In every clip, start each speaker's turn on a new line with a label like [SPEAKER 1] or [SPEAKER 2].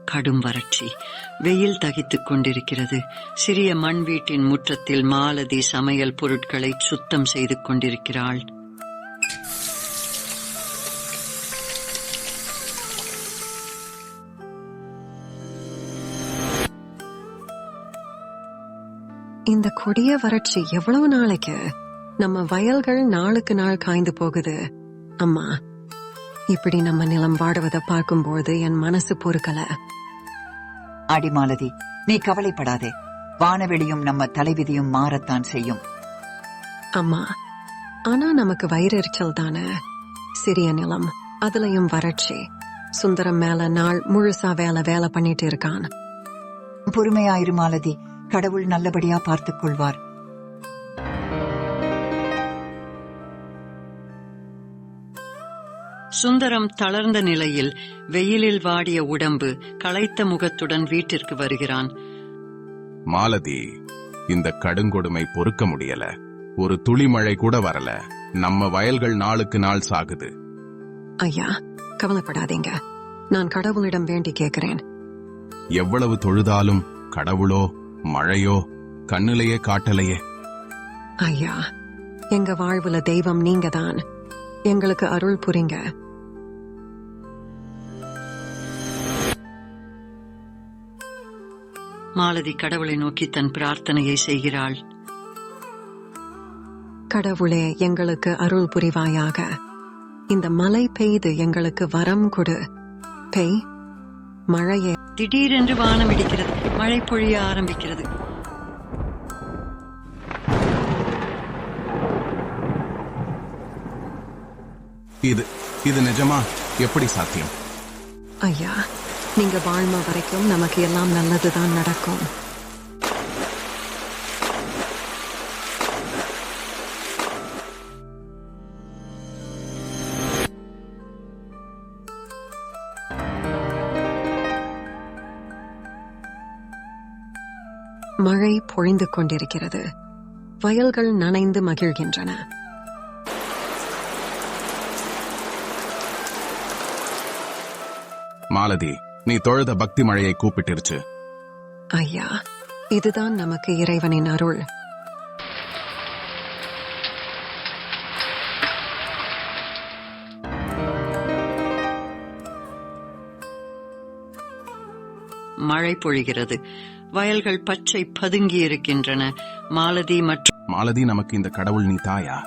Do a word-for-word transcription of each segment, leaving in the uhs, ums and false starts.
[SPEAKER 1] கடும் வறட்சி. வெயில் தகித்துக் கொண்டிருக்கிறது. சிறிய மண் வீட்டின் முற்றத்தில் மாலதி சமையல் பொருட்களை சுத்தம் செய்து கொண்டிருக்கிறாள்.
[SPEAKER 2] இந்த கொடிய வறட்சி எவ்வளவு நாளைக்கு? நம்ம வயல்கள் நாளுக்கு நாள் காய்ந்து போகுது. அம்மா, இப்படி நம்ம நிலம் வாடுவதை பார்க்கும்போது என் மனசு பொறுக்கல.
[SPEAKER 3] அடிமாலதி, நீ கவலைப்படாதே. வானவெளியும் நம்ம தலைவிதியும் மாறத்தான் செய்யும்.
[SPEAKER 2] அம்மா, ஆனா நமக்கு வயிறெரிச்சல் தானே. சிறிய நிலம், அதுலயும் வறட்சி. சுந்தரம் மேல நாள் முழுசா வேலை வேலை பண்ணிட்டு இருக்கான்.
[SPEAKER 3] பொறுமையாயிரு மாலதி, கடவுள் நல்லபடியா பார்த்துக் கொள்வார்.
[SPEAKER 1] சுந்தரம் தளர்ந்த நிலையில், வெயிலில் வாடிய உடம்பு, களைத்த முகத்துடன் வீட்டிற்கு வருகிறான்.
[SPEAKER 4] மாலதி, இந்த கடுங்கொடுமை பொறுக்க முடியல. ஒரு துளி மழை கூட வரல. நம்ம வயல்கள் நாளுக்கு நாள் சாகுது.
[SPEAKER 2] ஐயா, கவலைப்படாதீங்க. நான் கடவுளிடம் வேண்டி கேட்கிறேன்.
[SPEAKER 4] எவ்வளவு தொழுதாலும் கடவுளோ மழையோ கண்ணிலேயே காட்டலையே.
[SPEAKER 2] ஐயா, எங்க வாழ்வுல தெய்வம் நீங்க தான். எங்களுக்கு அருள் புரிங்க.
[SPEAKER 1] மாலதி கடவுளை நோக்கி தன் பிரார்த்தனையை செய்கிறாள்.
[SPEAKER 2] கடவுளே, எங்களுக்கு அருள் புரிவாயாக. இந்த மழை பெய்து எங்களுக்கு வரம் கொடு. பெய் மழையே.
[SPEAKER 1] திடீரென்று வானம் இடிக்கிறது. மழை பொழிய ஆரம்பிக்கிறது.
[SPEAKER 4] இது இது நிஜமா? எப்படி சாத்தியம்?
[SPEAKER 2] ஐயா, நீங்க வாழ்ம வரைக்கும் நமக்கு எல்லாம் நல்லதுதான் நடக்கும். மழை பொழிந்து கொண்டிருக்கிறது. வயல்கள் நனைந்து மகிழ்கின்றன.
[SPEAKER 4] மாலதி, நீ தொழுத பக்தி மழையை கூப்பிட்டிருச்சு.
[SPEAKER 2] ஐயா, இதுதான் நமக்கு இறைவனின் அருள்.
[SPEAKER 1] மழை பொழிகிறது. வயல்கள் பச்சை பதுங்கி இருக்கின்றன. மாலதி மற்றும்
[SPEAKER 4] மாலதி, நமக்கு இந்த கடவுள் நீ தாயா?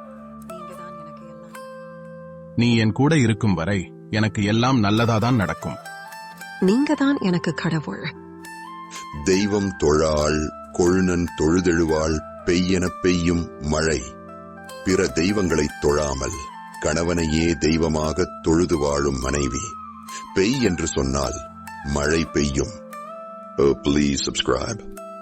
[SPEAKER 4] நீ என் கூட இருக்கும் வரை எனக்கு எல்லாம் நல்லதாதான் நடக்கும்.
[SPEAKER 2] நீங்க தான் எனக்கு கடவுள்.
[SPEAKER 5] தெய்வம் தொழாள் கொழுநன் தொழுதெழுவாள் பெய்யென பெய்யும் மழை. பிற தெய்வங்களை தொழாமல் கணவனையே தெய்வமாக தொழுது வாழும் மனைவி. பெய் என்று சொன்னால் மழை பெய்யும். Oh, please subscribe.